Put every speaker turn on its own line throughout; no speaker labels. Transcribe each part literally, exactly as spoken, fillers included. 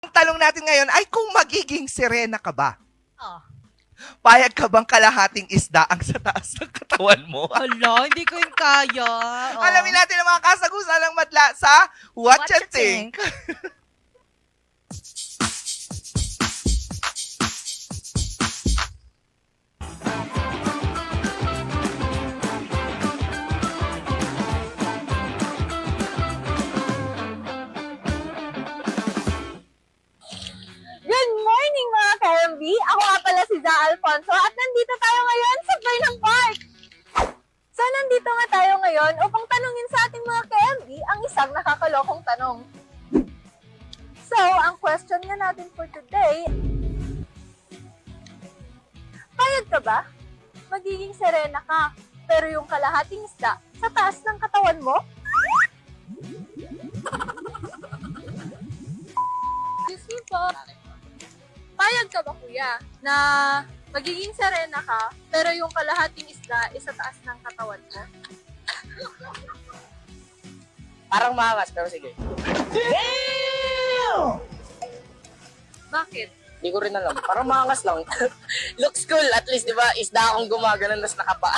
Ang tanong natin ngayon ay kung magiging sirena ka ba?
Oh.
Payag ka bang kalahating isda ang sa taas ng katawan mo?
Hala, hindi ko yung kaya. Oh.
Alamin natin ang mga kasagusan ng madla sa What,
What
You
You
Think.
Good morning mga ka-M B! Ako nga pala si Za Alfonso at nandito tayo ngayon sa Burnham Park! So nandito nga tayo ngayon upang tanungin sa ating mga ka-M B ang isang nakakalokong tanong. So, ang question nga natin for today, payag ka ba? Magiging serena ka, pero yung kalahating isda sa taas ng katawan mo? Excuse me po. Payag ka ba kuya na magiging serena ka pero yung kalahating isda is sa taas ng katawan mo?
Parang maangas, pero sige.
Bakit?
Hindi ko rin alam. Parang maangas lang. Looks cool. At least, di ba, isda akong gumaganon nas nakapa.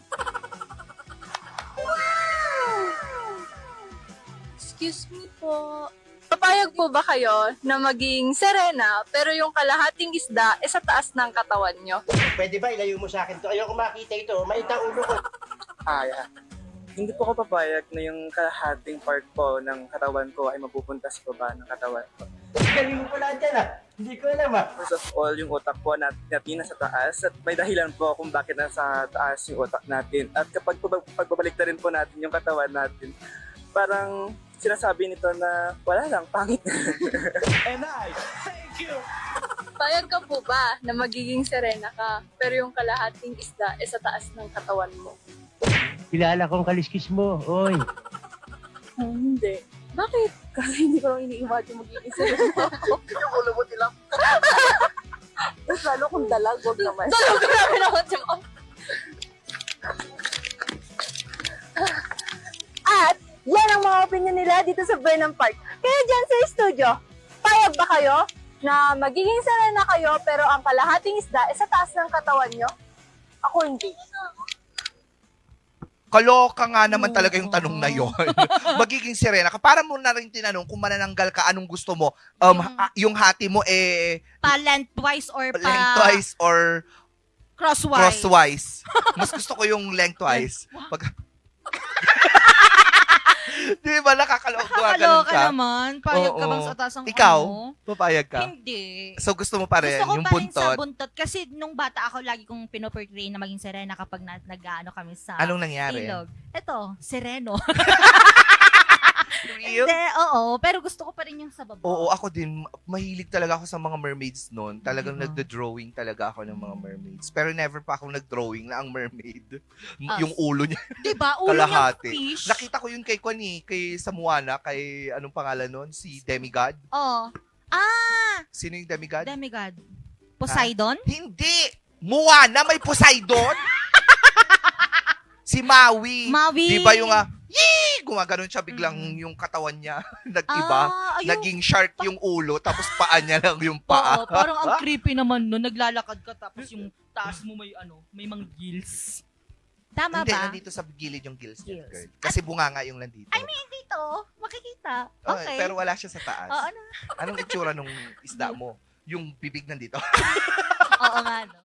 Excuse me po. Papayag po ba kayo na maging serena pero yung kalahating isda is sa taas ng katawan nyo?
Pwede ba ilayo mo sa akin to? Ayoko makita ito. Mait ang ulo ko.
Ah, yeah. Hindi po ako papayag na yung kalahating part po ng katawan ko ay mapupunta sa baba ng katawan ko.
Galing mo pala dyan ah. Hindi ko alam ah.
First of all, yung utak po nat natin nasa taas at may dahilan po kung bakit nasa taas yung utak natin. At kapag pag- pagbabalik na rin po natin yung katawan natin, parang sinasabi nito na wala lang, pangit.
And I, thank you.
Payag ka po ba na magiging serena ka pero yung kalahating isda is sa taas ng katawan mo?
Kilala kong kaliskis mo. Oy.
Hmm, hindi. Bakit? Kasi hindi ko lang ini-imagine magiging serena ako.
Yung ulo mo tilang.
Mas lalo kung dalag, wag naman. Dalag ko namin ako, Jom. At yan ang mga opinion nila dito sa Burnham Park. Kaya dyan sa studio, payag ba kayo na magiging serena kayo pero ang kalahating isda ay sa taas ng katawan nyo? Ako hindi.
Kaloka nga naman talaga yung tanong na yon. Magiging sirena ka. Para mo na rin tinanong kung manananggal ka, anong gusto mo? Um,
Yung-
ha- yung hati mo eh
Pa lengthwise or pa
lengthwise or
crosswise.
crosswise. Mas gusto ko yung lengthwise. Pag... Di ba nakakaloka ganun
Nakakaloka
ka?
naman. Payag ka
Oo.
bang sa taas ng
Ikaw?
ano?
Papayag ka?
Hindi.
So gusto mo pa rin
Gusto ko
yung
pa rin sa
buntot?
buntot. Kasi nung bata ako, lagi kong pinoportray na maging serena kapag na, nag-ano kami sa
Anong nangyari?
ilog. Ito, sereno.
Real?
Hindi, oo. Pero gusto ko pa rin yung sa baba.
Oo, ako din. Mahilig talaga ako sa mga mermaids noon. Talagang
Diba?
nagda-drawing talaga ako ng mga mermaids. Pero never pa ako nag-drawing na ang mermaid. M-
Us.
Yung ulo niya,
Diba? Ulo niyang
kalahati.
fish.
Nakita ko yun kay Kwani, kay Samuana, kay anong pangalan nun? Si Demigod.
Oo. Ah!
Sino yung Demigod?
Demigod. Poseidon?
Hindi! Moana, may Poseidon? Si Maui.
Maui.
Di ba yung ah, yee! Gumaganon siya biglang yung katawan niya. Nag-iba.
Ah, ayun.
Naging shark yung ulo, tapos paa niya lang yung paa.
Oo, parang ang creepy naman no. Naglalakad ka tapos yung taas mo may ano, may mga gills. Tama
Hindi,
ba?
nandito sa gilid yung gills niya,
Gills.
girl. Kasi bunga nga yung nandito.
I mean, dito, makikita.
Oh,
Okay.
pero wala siya sa taas.
Oo, ano?
Anong itsura nung isda mo? Yung bibig nandito.
Oo nga, no?